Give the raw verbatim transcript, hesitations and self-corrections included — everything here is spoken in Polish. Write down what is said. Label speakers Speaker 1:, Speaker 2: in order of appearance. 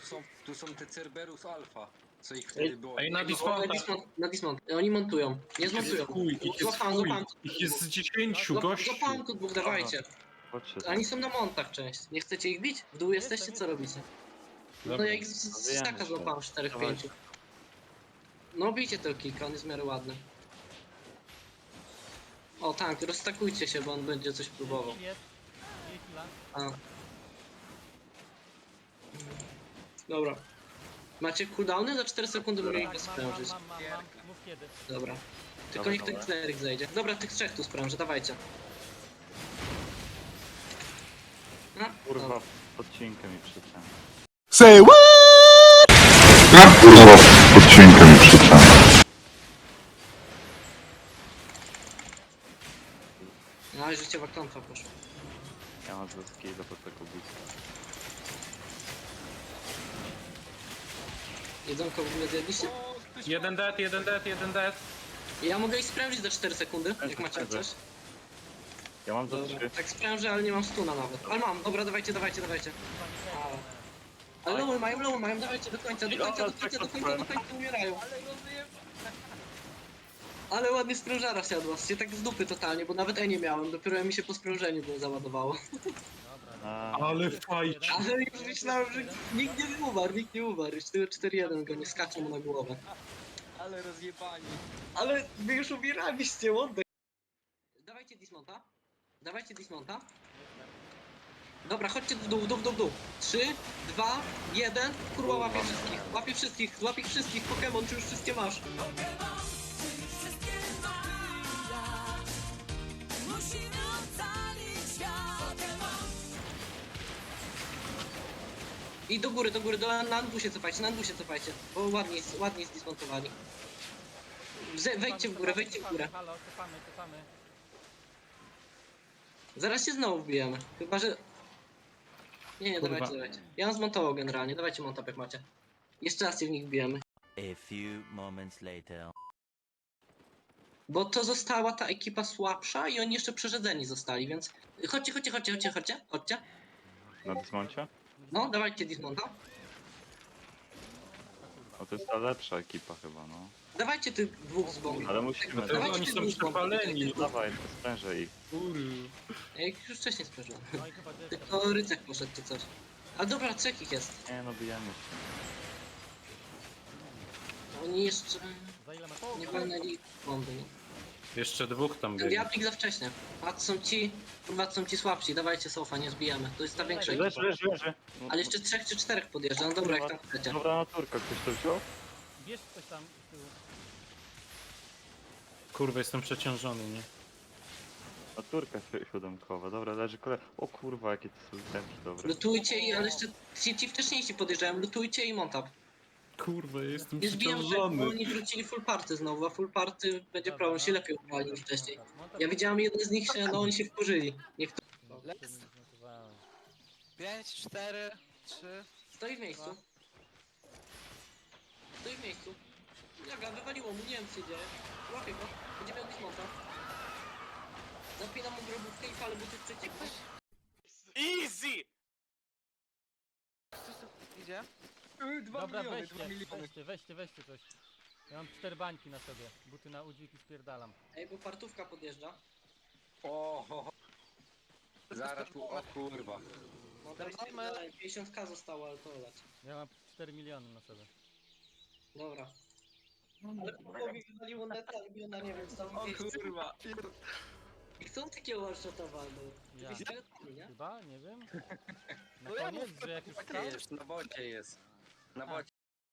Speaker 1: są, tu są te Cerberus Alpha, co ich wtedy było.
Speaker 2: Ej, na
Speaker 3: Na
Speaker 2: dismonta.
Speaker 3: dismont, na dismont. Oni montują. Nie
Speaker 2: Ich jest
Speaker 3: zmontują.
Speaker 2: chuj, ich jest
Speaker 3: Złapałem,
Speaker 2: chuj.
Speaker 3: złapałem tu
Speaker 2: Ich jest z
Speaker 3: dwóch.
Speaker 2: dziesięciu,
Speaker 3: Złap-
Speaker 2: gościu.
Speaker 3: Złapałem tu dwóch, dawajcie.
Speaker 4: Chodźcie.
Speaker 3: Oni są na montach część. Nie chcecie ich bić? W dół
Speaker 5: Jestem,
Speaker 3: jesteście? Co
Speaker 5: jestem.
Speaker 3: robicie? No
Speaker 2: Dobra.
Speaker 3: ja ich z, z
Speaker 4: Wiemy,
Speaker 3: staka
Speaker 4: że-
Speaker 3: złapałem czterech,
Speaker 4: Dawaj.
Speaker 3: pięciu. No bijcie tego kilka, on jest w miarę ładny. O tak, rozstakujcie się, bo on będzie coś próbował.
Speaker 5: Jest, jest. Nie chwila.
Speaker 3: A. Dobra. Macie cooldowny? Za cztery sekundy mogę ich
Speaker 5: Tak, mam, mam,
Speaker 3: sprężyć.
Speaker 5: mam, mam, mam. Mów kiedy.
Speaker 3: Dobra. Tylko
Speaker 4: Dobra,
Speaker 3: niech ten
Speaker 4: dobra.
Speaker 3: kleryk zejdzie. Dobra, tych trzech tu sprężę, dawajcie. A,
Speaker 4: Kurwa,
Speaker 3: dobra.
Speaker 4: podcinkę mi przyciął.
Speaker 6: Say what? Jak kurwa odcinkę mi przyciął?
Speaker 3: No i życiowa klątwa poszła.
Speaker 4: Ja mam ze skilla po tego boosta.
Speaker 3: Jedzonko w ogóle zjedliście?
Speaker 2: Jeden dead, jeden dead, jeden dead.
Speaker 3: Ja mogę ich sprężyć za cztery sekundy, jak
Speaker 4: Sprężę,
Speaker 3: macie
Speaker 4: sprężę.
Speaker 3: coś.
Speaker 4: Ja mam za
Speaker 3: Dobra,
Speaker 4: trzy.
Speaker 3: tak sprężę, ale nie mam stuna nawet. Ale mam, dobra, dawajcie, dawajcie, dawajcie. Ale, ale lowy mają, lowy mają, dawajcie do końca, do końca, do końca, do końca, do końca umierają. Ale ładnie sprężara siadła, się tak z dupy totalnie, bo nawet E nie miałem, dopiero mi się po sprężeniu było załadowało.
Speaker 4: A,
Speaker 2: Ale fajcie.
Speaker 3: Ale już myślałem, że nikt nie umarł, nikt nie umarł, już tylko cztery jeden go nie skacze mu na głowę.
Speaker 1: Ale rozjebani.
Speaker 3: Ale wy już umieraliście, łądek. Dawajcie dismonta. Dawajcie dismonta. Dobra, chodźcie w dół, w dół, w dół, w dół. Trzy, dwa, jeden. Kurwa, łapie wszystkich. Łapie wszystkich, łapie wszystkich. Pokémon, czy już wszystkie masz?
Speaker 7: Musimy ocalić świat.
Speaker 3: I do góry, do góry, do, na Andu się cofajcie, na Andu się cofajcie. Bo ładnie, jest- ładnie zdismontowali. Ze, wejdźcie w górę, wejdźcie w górę.
Speaker 5: Halo, cofamy, cofamy.
Speaker 3: Zaraz się znowu wbijemy. Chyba, że... Nie, nie,
Speaker 2: Kurwa.
Speaker 3: dawajcie, dawajcie. Ja mam zmontował generalnie, dawajcie montap jak macie. Jeszcze raz się w nich wbijemy.
Speaker 8: A few moments later.
Speaker 3: Bo to została ta ekipa słabsza i oni jeszcze przerzedzeni zostali, więc... Chodźcie, chodźcie, chodźcie, chodźcie, chodźcie, chodźcie.
Speaker 4: na dismoncie?
Speaker 3: No, dawajcie dismonta.
Speaker 4: No to jest ta lepsza ekipa chyba, no.
Speaker 3: Dawajcie tych dwóch z bomby.
Speaker 4: Ale musimy...
Speaker 2: To
Speaker 3: Dawajcie
Speaker 2: oni
Speaker 3: tych
Speaker 2: są
Speaker 3: dwóch z bomby.
Speaker 2: przepaleni.
Speaker 4: Dawaj, to sprężę ich.
Speaker 2: Kurwa.
Speaker 3: Ja ich już wcześniej sprzeżyłem.
Speaker 5: No i chyba dziecko.
Speaker 3: Tylko rycerz poszedł czy coś. Ale dobra, trzech ich jest.
Speaker 4: Nie no, bijemy się.
Speaker 3: Oni jeszcze
Speaker 5: Za ile masz?
Speaker 3: nie walnęli bomby. nie?
Speaker 2: Jeszcze dwóch tam
Speaker 3: Ten
Speaker 2: byli.
Speaker 3: diablik za wcześnie. A to są ci, kurwa, to są ci słabsi. Dawajcie sofa, nie zbijamy. To jest ta większa
Speaker 4: Leży,
Speaker 3: ekipa.
Speaker 4: leży, leży. No,
Speaker 3: Ale jeszcze trzech czy czterech podjeżdża. No dobra, jak tam chcecie.
Speaker 4: Dobra naturka, ktoś to wziął?
Speaker 5: Bierz coś tam z tyłu.
Speaker 2: Kurwa, jestem przeciążony, nie?
Speaker 4: Naturka si- siódemkowa, dobra, leży kole... O kurwa, jakie to są temki dobre.
Speaker 3: Lutujcie i, ale jeszcze ci, ci wcześniejsi podjeżdżają. Lutujcie i montap.
Speaker 2: Kurwa, jestem
Speaker 3: Nie zbijam, że bo
Speaker 2: przeciążony.
Speaker 3: oni wrócili full party znowu, a full party będzie
Speaker 5: Dobra,
Speaker 3: problem, się
Speaker 5: no.
Speaker 3: lepiej ubrali niż wcześniej.
Speaker 5: Montaż, montaż.
Speaker 3: Ja widziałem jeden z nich się, no oni się wkurzyli. Niech to
Speaker 5: No, jeszcze nie zmontowałem.
Speaker 9: pięć, cztery, trzy.
Speaker 3: stoi w miejscu. Stoi w miejscu. Jaga, wywaliło mu, nie wiem co się dzieje. Łapię go, będzie miał dismonta. Zapinam mu grobówkę i palę buty w przeciekłe.
Speaker 9: Easy! Idzie?
Speaker 1: Dwa
Speaker 5: Dobra,
Speaker 1: miliony,
Speaker 5: weźcie,
Speaker 1: dwa miliony.
Speaker 5: weźcie, weźcie, weźcie coś. Ja mam cztery bańki na sobie. Buty na udzik i spierdalam.
Speaker 3: Ej, bo partówka podjeżdża.
Speaker 1: O, ho, ho. Zaraz tu, o kurwa.
Speaker 3: No to jest
Speaker 9: Dawajmy.
Speaker 3: pięćdziesiąt ka zostało, ale to leć.
Speaker 5: Ja mam cztery miliony na sobie.
Speaker 3: Dobra. Ale Kubowi wywaliło neta, i ona nie wiem, co tam
Speaker 1: O
Speaker 3: miejsce.
Speaker 1: kurwa.
Speaker 3: I chcą takiego one-shota walną.
Speaker 5: Ja.
Speaker 3: Jakieś teletami, nie?
Speaker 5: Chyba? Nie wiem. Na
Speaker 9: No ja
Speaker 5: koniec,
Speaker 9: mów-
Speaker 5: że jak już
Speaker 9: tak
Speaker 5: stał?
Speaker 1: Jest, na bocie jest. Na bocie